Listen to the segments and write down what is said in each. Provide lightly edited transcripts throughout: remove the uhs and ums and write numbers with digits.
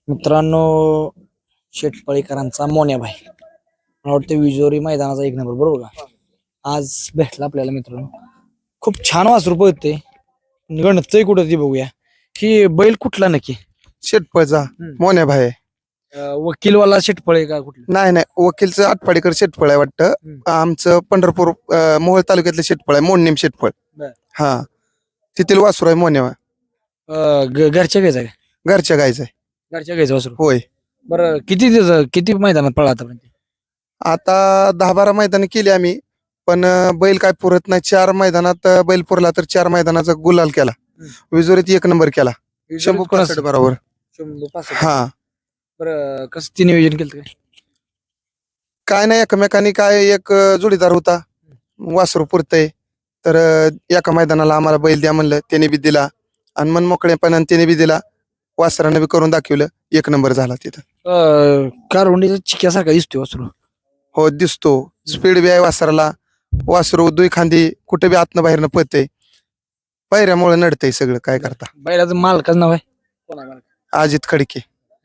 मित्रांनो, शेटपळीकरांचा मोन्याभाई मला वाटतं विजोरी मैदानाचा एक नंबर बरोबर का. आज भेटला आपल्याला मित्रांनो, खूप छान वासरू पळते. गणतय कुठं ती बघूया. ही बैल कुठला नक्की? शेटपळचा मोन्याभाई आहे. वकीलवाला शेटपळे का कुठला? नाही नाही, वकीलचं आटपाडीकर शेटफळ आहे वाटतं. आमचं पंढरपूर मोहोळ तालुक्यातलं शेटफळ आहे, मोडणीम शेटफळ. बर. हा, तिथील वासरू आहे मोन्यावा. घरच्या घ्यायचा का? घरच्या गायचं आहे. घरच्या घ्यायचं वासरू. होय, बरं, किती मैदानात पळा आतापर्यंत? आता 10-12 मैदान केली आम्ही, पण बैल काय पुरत नाही. 4 मैदानात बैल पुरला तर 4 मैदानाचा गुलाल केला. विजोरीत 1 नंबर केला, शंभू कोणाचं? बरोबर. शंभू पासष्ट. हा, बरं, कसं ती नियोजन केलं काय? काय नाही, एकमेकांनी काय एक जोडीदार होता, वासरू पुरतय तर एका मैदानाला आम्हाला बैल द्या म्हणलं, त्याने बी दिला आणि मन मोकळेपणाने त्याने बी दिला. वासरानं बी करून दाखवलं, 1 नंबर झाला तिथं. कारवंडीचा चिक्यासारखा दिसतोय वासरू. हो, दिसतो. स्पीड बी आहे वासराला. वासरू दुई खांदी कुठे बी आतनं बाहेरनं पळतय. पायऱ्यामुळे नडतंय सगळं, काय करता. बैलाचं मालकाचं नाव आहे कोण आहे मालक? अजित खडके.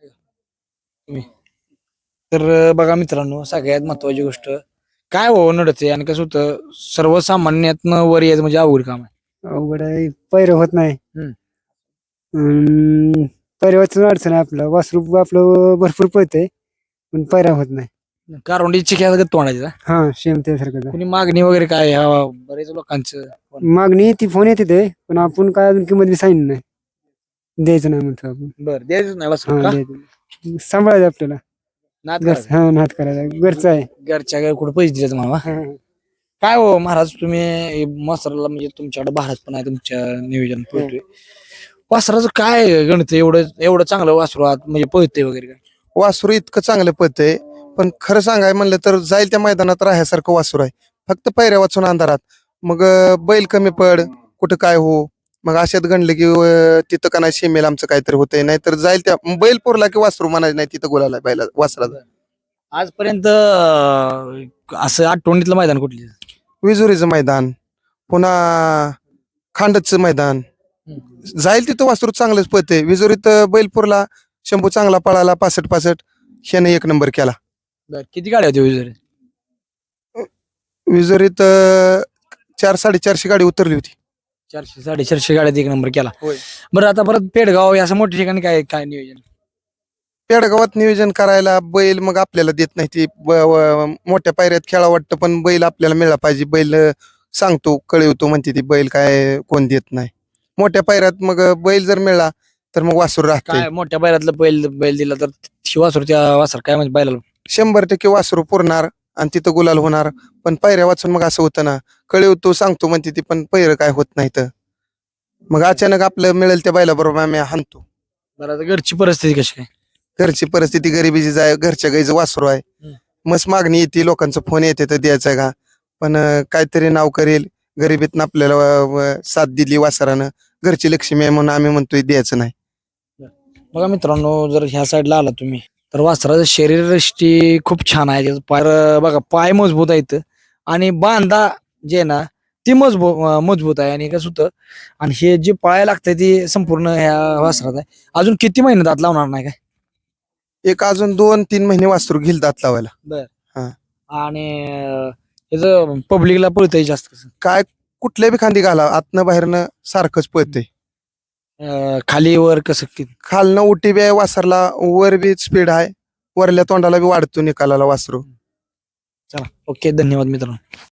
तर बघा मित्रांनो, सगळ्यात महत्वाची गोष्ट काय हो नडते आणि कसं होतं, सर्वसामान्यातनं वर यायचं म्हणजे अवघड काम आहे. अवघड आहे, पैर होत नाही. हम्म. पैरवाचं अडचण आहे. आपलं वासरू आपलं भरपूर पळतंय पण पैरा होत नाही. कारवंडी चिक्या तोंडायचा. हा, सेम त्यासारखं. कुणी मागणी वगैरे काय ह्या बरेच लोकांचं मागणी ती फोन येते ते, पण आपण काय अजून किंमत बी सांगितली नाही. द्यायचं नाही म्हणतो आपण. बरं द्यायचं नाही वासरू हा, का? द्यायचं. सांभाळायचं आपल्याला. नाद करायचं. हा, नाद करायचा, घरचं आहे. घरच्या काय कुठे पैसे दिले तुम्हाला? हा. काय हो महाराज, तुम्ही मसराला म्हणजे तुमच्याकडे भारत पण आहे, तुमच्या नियोजन पळतोय. वासराचं काय गणित एवढं एवढं चांगलं वासरू आत म्हणजे पळते वगैरे काय? वासरू इतकं चांगलं पळतंय, पण खरं सांगाय म्हणलं तर जाईल त्या मैदानात राहण्यासारखं वासरू आहे. फक्त पायऱ्या वाचून अंधारात. मग बैल कमी पड, कुठं काय हो, मग अशात गणलं की तिथं का नाही सीमेला आमचं काहीतरी होतंय. नाहीतर जाईल त्या बैल पुरला की वासरू म्हणायचं नाही, तिथं गोलाला बैला वासराला. आजपर्यंत असं आठवणीतलं मैदान कुठली? विजुरीचं मैदान, पुन्हा खांडचं मैदान. जाईल तिथं वासरू चांगलंच पळते. विजुरीत बैलपूरला शंभू चांगला पळाला, 65 ह्याने 1 नंबर केला. किती गाड्या होत्या विजय? विजुरीत 400-450 गाडी उतरली होती. 400-450 गाड्यात 1 नंबर केला. होय. बरं, आता परत पेडगाव या असं मोठ्या ठिकाणी काय काय नियोजन? पेडगावात नियोजन करायला बैल मग आपल्याला देत नाही. ती मोठ्या पायऱ्यात खेळा वाटतं, पण बैल आपल्याला मिळाला पाहिजे. बैल सांगतो, कळवतो म्हणते ती, बैल काय कोण देत नाही. मोठ्या पायऱ्यात मग बैल जर मिळाला तर मग वासरू राहते. काय मोठ्या बैलातलं बैल दिला तर वासरू त्या वासर काय म्हणजे बैलाला 100% वासरू पुरणार आणि तिथं गुलाल होणार. पण पायऱ्या वाचून मग असं होतं ना, कळवतो सांगतो म्हणते ती, पण पैर काय होत नाही. तर मग अचानक आपलं मिळेल त्या बैलाबरोबर आम्ही हाणतो. बरं, आता घरची परिस्थिती कशी काय? घरची परिस्थिती गरिबीची जाय, घरच्या गाईचं वासरू आहे. मस्त मागणी येते, लोकांचं फोन येते तर द्यायचं का, पण काहीतरी नाव करेल. गरिबीतनं आपल्याला साथ दिली वासरानं, घरची लक्ष्मी आहे म्हणून आम्ही म्हणतोय द्यायचं नाही. बघा मित्रांनो, जर ह्या साईडला आला तुम्ही तर वासराचं शरीरयष्टी खूप छान आहे. त्याचं पाय बघा, पाय मजबूत आहेत आणि बांधा जे आहे ना ती मजबूत आहे. आणि कसं होतं, आणि हे जे पाया लागतंय ती संपूर्ण ह्या वासरात आहे. अजून किती महिने दात लावणार नाही काय? एक अजून 2-3 महिने वासरू घेईल दात लावायला. आणि ह्याचं पब्लिकला पळतंय जास्त कसं? काय कुठल्या बी खांदी घाला, आतनं बाहेरनं सारखंच पळतंय. खाली वर कसं? खालनं उटी बी आहे वासरला, वर बी स्पीड आहे, वरल्या तोंडाला बी वाढतो निकालाला वासरू. चला, ओके, धन्यवाद मित्रांनो.